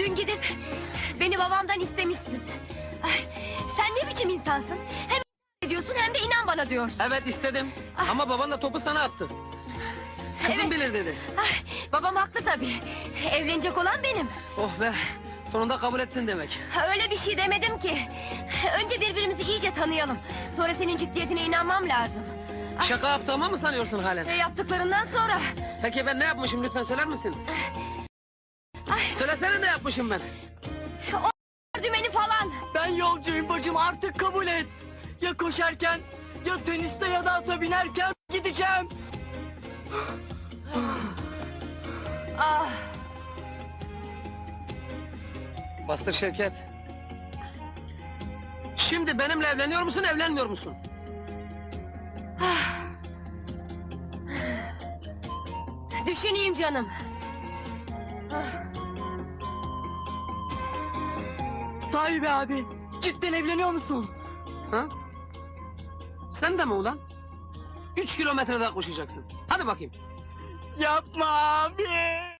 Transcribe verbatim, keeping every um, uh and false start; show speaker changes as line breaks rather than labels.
Dün gidip beni babamdan istemişsin. Ay, sen ne biçim insansın? Hem ediyorsun hem de inan bana diyorsun.
Evet istedim.
Ah.
Ama baban da topu sana attı. Kızım
Evet.
bilir dedi.
Ay, babam haklı tabii. Evlenecek olan benim.
Oh be! Sonunda kabul ettin demek.
Öyle bir şey demedim ki. Önce birbirimizi iyice tanıyalım. Sonra senin ciddiyetine inanmam lazım. Ay,
Şaka yaptığımı mı sanıyorsun halen?
e, yaptıklarından sonra.
Peki ben ne yapmışım lütfen söyler misin?
Ay,
Söylesene ne yapmışım ben?
dümeni falan.
Ben yolcuyum bacım, artık kabul et. Ya koşarken, ya teniste ya da ata binerken gideceğim.
Ah,
Bastır Şevket. Şimdi benimle evleniyor musun, evlenmiyor musun?
ah. Düşüneyim canım. Ah.
Sahi be abi, cidden evleniyor musun?
Ha? Sen de mi ulan? Üç kilometre daha koşacaksın. Hadi bakayım.
Yapma abi.